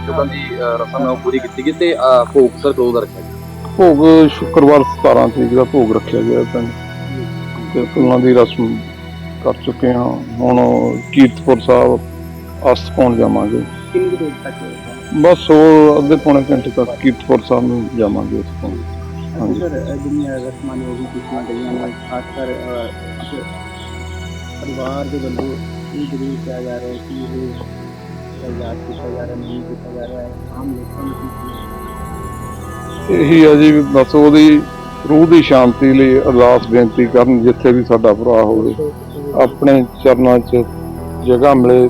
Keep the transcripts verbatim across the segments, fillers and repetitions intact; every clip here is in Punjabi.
ਚੁੱਕਣ ਦੀ ਅ, ਰਸਮ ਹੈ ਉਹ ਪੂਰੀ ਕੀਤੀ ਗਈ ਤੇ ਅ, ਭੋਗ ਸਰ ਕਦੋਂ ਦਾ ਰੱਖਿਆ ਗਿਆ? ਭੋਗ ਸ਼ੁੱਕਰਵਾਰ ਸਤਾਰਾਂ ਤਰੀਕ ਦਾ ਭੋਗ ਰੱਖਿਆ ਗਿਆ ਪਿੰਡ ਤੇ ਫੁੱਲਾਂ ਦੀ ਰਸਮ ਕਰ ਚੁੱਕੇ ਹਾਂ। ਹੁਣ ਕੀਰਤਪੁਰ ਸਾਹਿਬ ਅਸਤ ਪਾਉਣ ਜਾਵਾਂਗੇ। ਕਿੰਨੀ ਕੁ ਦੇਰ ਤੱਕ ਹੋਏਗਾ? ਬਸ ਉਹ ਅੱਧੇ ਪੌਣੇ ਘੰਟੇ ਤੱਕ ਕੀਰਤਪੁਰ ਸਾਹਿਬ ਨੂੰ ਜਾਵਾਂਗੇ ਉਸ ਤੋਂ। ਅਸੀਂ ਸਰ ਜਿਹੜੀਆਂ ਰਸਮਾਂ ਨੇ ਉਹ ਵੀ ਕੀਤੀਆਂ ਗਈਆਂ ਨੇ, ਖਾਸ ਕਰ ਅਹ, ਇੱਕ ਪਰਿਵਾਰ ਦੇ ਵੱਲੋਂ ਇਹ ਜ਼ਰੂਰ ਕਿਹਾ ਜਾ ਰਿਹਾ ਹੈ ਕਿ ਇਹ ਜਿਹੜਾ ਯਾਦ ਕੀਤਾ ਜਾ ਰਿਹਾ ਨਹੀਂ ਕੀਤਾ ਜਾ ਰਿਹਾ ਹੈ ਆਮ ਲੋਕਾਂ ਨੂੰ ਕੀ ਇਹੀ ਆ ਜੀ, ਬਸ ਉਹਦੀ ਰੂਹ ਦੀ ਸ਼ਾਂਤੀ ਲਈ ਅਰਦਾਸ ਬੇਨਤੀ ਕਰਨ, ਜਿੱਥੇ ਵੀ ਸਾਡਾ ਭਰਾ ਹੋਵੇ ਆਪਣੇ ਚਰਨਾਂ 'ਚ ਜਗ੍ਹਾ ਮਿਲੇ।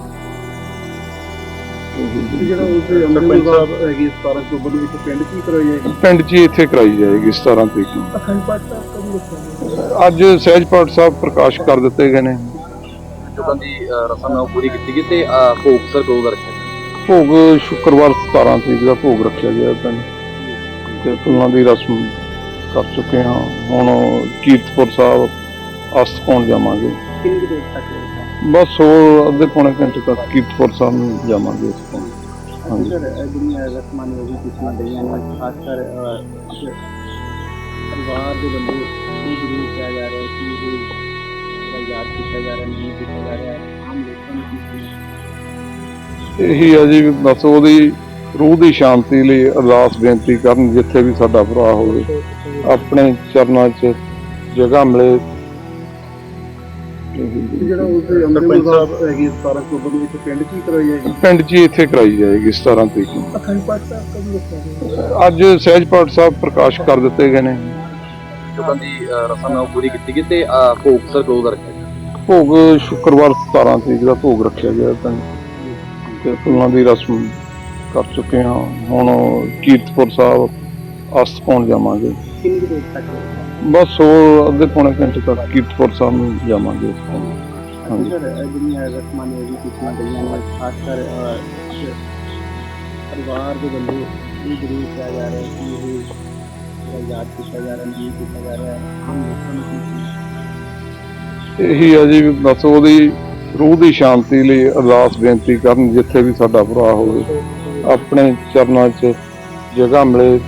ਜਿਹੜਾ ਉਸ ਅੰਦਰ ਸਾਹਿਬ ਹੈਗੀ ਸਤਾਰਾਂ ਅਕਤੂਬਰ ਨੂੰ ਇੱਕ ਪਿੰਡ ਕੀ ਕਰਵਾਈ ਜਾਏਗੀ? ਪਿੰਡ 'ਚ ਹੀ ਇੱਥੇ ਕਰਾਈ ਜਾਏਗੀ ਸਤਾਰਾਂ ਤਰੀਕ ਨੂੰ। ਅਖੰਡ ਪਾਠ ਸਾਹਿਬ ਕਦੋਂ ਰੱਖਿਆ ਅੱਜ ਸਹਿਜ ਪਾਠ ਸਾਹਿਬ ਪ੍ਰਕਾਸ਼ ਕਰ ਦਿੱਤੇ ਗਏ ਨੇ। ਚੁੱਕਣ ਦੀ ਅ, ਰਸਮ ਹੈ ਉਹ ਪੂਰੀ ਕੀਤੀ ਗਈ ਤੇ ਅ, ਭੋਗ ਸਰ ਕਦੋਂ ਦਾ ਰੱਖਿਆ ਗਿਆ? ਭੋਗ ਸ਼ੁੱਕਰਵਾਰ ਸਤਾਰਾਂ ਤਰੀਕ ਦਾ ਭੋਗ ਰੱਖਿਆ ਗਿਆ ਪਿੰਡ ਤੇ ਫੁੱਲਾਂ ਦੀ ਰਸਮ ਕਰ ਚੁੱਕੇ ਹਾਂ। ਹੁਣ ਕੀਰਤਪੁਰ ਸਾਹਿਬ ਅਸਤ ਪਾਉਣ ਜਾਵਾਂਗੇ। ਕਿੰਨੀ ਕੁ ਦੇਰ ਤੱਕ ਹੋਏਗਾ? ਬਸ ਉਹ ਅੱਧੇ ਪੌਣੇ ਘੰਟੇ ਤੱਕ ਕੀਰਤਪੁਰ ਸਾਹਿਬ ਨੂੰ ਜਾਵਾਂਗੇ ਉਸ ਤੋਂ। ਅਸੀਂ ਸਰ ਜਿਹੜੀਆਂ ਰਸਮਾਂ ਨੇ ਉਹ ਵੀ ਕੀਤੀਆਂ ਗਈਆਂ ਨੇ, ਖਾਸ ਕਰ ਅਹ, ਇੱਕ ਪਰਿਵਾਰ ਦੇ ਵੱਲੋਂ ਇਹ ਜ਼ਰੂਰ ਕਿਹਾ ਜਾ ਰਿਹਾ ਹੈ ਕਿ ਇਹ ਜਿਹੜਾ ਯਾਦ ਕੀਤਾ ਜਾ ਰਿਹਾ ਨਹੀਂ ਕੀਤਾ ਜਾ ਰਿਹਾ ਹੈ ਆਮ ਲੋਕਾਂ ਨੂੰ ਕੀ ਇਹੀ ਆ ਜੀ, ਬਸ ਉਹਦੀ ਰੂਹ ਦੀ ਸ਼ਾਂਤੀ ਲਈ ਅਰਦਾਸ ਬੇਨਤੀ ਕਰਨ, ਜਿੱਥੇ ਵੀ ਸਾਡਾ ਭਰਾ ਹੋਵੇ ਆਪਣੇ ਚਰਨਾਂ 'ਚ ਜਗ੍ਹਾ ਮਿਲੇ। ਜਿਹੜਾ ਉਸ ਅੰਦਰ ਸਾਹਿਬ ਹੈਗੀ ਸਤਾਰਾਂ ਅਕਤੂਬਰ ਨੂੰ ਇੱਕ ਪਿੰਡ ਕੀ ਕਰਵਾਈ ਜਾਏਗੀ? ਪਿੰਡ 'ਚ ਹੀ ਇੱਥੇ ਕਰਾਈ ਜਾਏਗੀ ਸਤਾਰਾਂ ਤਰੀਕ ਨੂੰ। ਅਖੰਡ ਪਾਠ ਸਾਹਿਬ ਕਦੋਂ ਰੱਖਿਆ ਗਿਆ? ਅੱਜ ਸਹਿਜ ਪਾਠ ਸਾਹਿਬ ਪ੍ਰਕਾਸ਼ ਕਰ ਦਿੱਤੇ ਗਏ ਨੇ। ਚੁੱਕਣ ਦੀ ਅ, ਰਸਮ ਹੈ ਉਹ ਪੂਰੀ ਕੀਤੀ ਗਈ ਤੇ ਅ, ਭੋਗ ਸਰ ਕਦੋਂ ਦਾ ਰੱਖਿਆ ਗਿਆ? ਭੋਗ ਸ਼ੁੱਕਰਵਾਰ ਸਤਾਰਾਂ ਤਰੀਕ ਦਾ ਭੋਗ ਰੱਖਿਆ ਗਿਆ ਪਿੰਡ ਤੇ ਫੁੱਲਾਂ ਦੀ ਰਸਮ ਕਰ ਚੁੱਕੇ ਹਾਂ। ਹੁਣ ਕੀਰਤਪੁਰ ਸਾਹਿਬ ਅਸਤ ਪਾਉਣ ਜਾਵਾਂਗੇ। ਕਿੰਨੀ ਕੁ ਦੇਰ ਤੱਕ ਹੋਏਗਾ? ਬਸ ਉਹ ਅੱਧੇ ਪੌਣੇ ਘੰਟੇ ਤੱਕ ਕੀਰਤਪੁਰ ਸਾਹਿਬ ਨੂੰ ਜਾਵਾਂਗੇ ਉਸ ਤੋਂ। ਅਸੀਂ ਸਰ ਜਿਹੜੀਆਂ ਰਸਮਾਂ ਨੇ ਉਹ ਵੀ ਕੀਤੀਆਂ ਗਈਆਂ ਨੇ, ਖਾਸ ਕਰ ਅਹ, ਇੱਕ ਪਰਿਵਾਰ ਦੇ ਵੱਲੋਂ ਇਹ ਜ਼ਰੂਰ ਕਿਹਾ ਜਾ ਰਿਹਾ ਹੈ ਕਿ ਇਹ ਜਿਹੜਾ ਯਾਦ ਕੀਤਾ ਜਾ ਰਿਹਾ ਨਹੀਂ ਕੀਤਾ ਜਾ ਰਿਹਾ ਹੈ ਆਮ ਲੋਕਾਂ ਨੂੰ ਕੀ ਇਹੀ ਆ ਜੀ, ਬਸ ਉਹਦੀ ਰੂਹ ਦੀ ਸ਼ਾਂਤੀ ਲਈ ਅਰਦਾਸ ਬੇਨਤੀ ਕਰਨ, ਜਿੱਥੇ ਵੀ ਸਾਡਾ ਭਰਾ ਹੋਵੇ ਆਪਣੇ ਚਰਨਾਂ 'ਚ ਜਗ੍ਹਾ ਮਿਲੇ।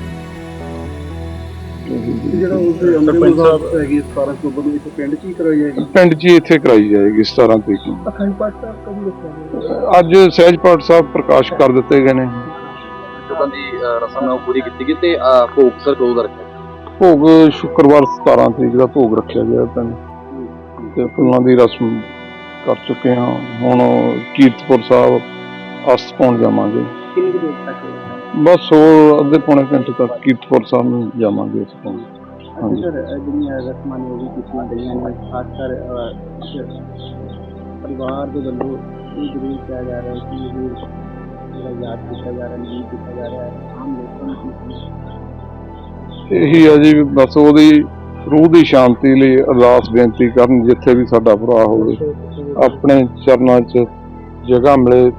ਜਿਹੜਾ ਉਸ ਅੰਦਰ ਸਾਹਿਬ ਹੈਗੀ ਸਤਾਰਾਂ ਅਕਤੂਬਰ ਨੂੰ ਇੱਕ ਪਿੰਡ ਕੀ ਕਰਵਾਈ ਜਾਏਗੀ? ਪਿੰਡ 'ਚ ਹੀ ਇੱਥੇ ਕਰਾਈ ਜਾਏਗੀ ਸਤਾਰਾਂ ਤਰੀਕ ਨੂੰ। ਅਖੰਡ ਪਾਠ ਸਾਹਿਬ ਕਦੋਂ ਰੱਖਿਆ ਗਿਆ? ਅੱਜ ਸਹਿਜ ਪਾਠ ਸਾਹਿਬ ਪ੍ਰਕਾਸ਼ ਕਰ ਦਿੱਤੇ ਗਏ ਨੇ। ਚੁੱਕਣ ਦੀ ਅ, ਰਸਮ ਹੈ ਉਹ ਪੂਰੀ ਕੀਤੀ ਗਈ ਤੇ ਅ, ਭੋਗ ਸਰ ਕਦੋਂ ਦਾ ਰੱਖਿਆ ਗਿਆ? ਭੋਗ ਸ਼ੁੱਕਰਵਾਰ ਸਤਾਰਾਂ ਤਰੀਕ ਦਾ ਭੋਗ ਰੱਖਿਆ ਗਿਆ ਪਿੰਡ ਤੇ ਫੁੱਲਾਂ ਦੀ ਰਸਮ ਕਰ ਚੁੱਕੇ ਹਾਂ। ਹੁਣ ਕੀਰਤਪੁਰ ਸਾਹਿਬ ਅਸਤ ਪਾਉਣ ਜਾਵਾਂਗੇ। ਕਿੰਨੀ ਕੁ ਦੇਰ ਤੱਕ ਹੋਏਗਾ? ਬਸ ਉਹ ਅੱਧੇ ਪੌਣੇ ਘੰਟੇ ਤੱਕ ਕੀਰਤਪੁਰ ਸਾਹਿਬ ਨੂੰ ਜਾਵਾਂਗੇ ਉਸ ਤੋਂ। ਅਸੀਂ ਸਰ ਜਿਹੜੀਆਂ ਰਸਮਾਂ ਨੇ ਉਹ ਵੀ ਕੀਤੀਆਂ ਗਈਆਂ ਨੇ, ਖਾਸ ਕਰ ਅਹ, ਇੱਕ ਪਰਿਵਾਰ ਦੇ ਵੱਲੋਂ ਇਹ ਜ਼ਰੂਰ ਕਿਹਾ ਜਾ ਰਿਹਾ ਹੈ ਕਿ ਇਹ ਜਿਹੜਾ ਯਾਦ ਕੀਤਾ ਜਾ ਰਿਹਾ ਨਹੀਂ ਕੀਤਾ ਜਾ ਰਿਹਾ ਹੈ ਆਮ ਲੋਕਾਂ ਨੂੰ ਕੀ ਇਹੀ ਆ ਜੀ, ਬਸ ਉਹਦੀ ਰੂਹ ਦੀ ਸ਼ਾਂਤੀ ਲਈ ਅਰਦਾਸ ਬੇਨਤੀ ਕਰਨ, ਜਿੱਥੇ ਵੀ ਸਾਡਾ ਭਰਾ ਹੋਵੇ ਆਪਣੇ ਚਰਨਾਂ 'ਚ ਜਗ੍ਹਾ ਮਿਲੇ।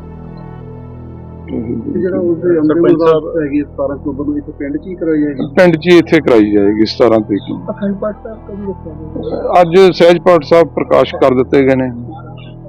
ਜਿਹੜਾ ਉਸ ਅੰਦਰ ਸਾਹਿਬ ਹੈਗੀ ਸਤਾਰਾਂ ਅਕਤੂਬਰ ਨੂੰ ਇੱਕ ਪਿੰਡ ਕੀ ਕਰਵਾਈ ਜਾਏਗੀ? ਪਿੰਡ 'ਚ ਹੀ ਇੱਥੇ ਕਰਾਈ ਜਾਏਗੀ ਸਤਾਰਾਂ ਤਰੀਕ ਨੂੰ। ਅਖੰਡ ਪਾਠ ਸਾਹਿਬ ਕਦੋਂ ਰੱਖਿਆ ਗਿਆ? ਅੱਜ ਸਹਿਜ ਪਾਠ ਸਾਹਿਬ ਪ੍ਰਕਾਸ਼ ਕਰ ਦਿੱਤੇ ਗਏ ਨੇ।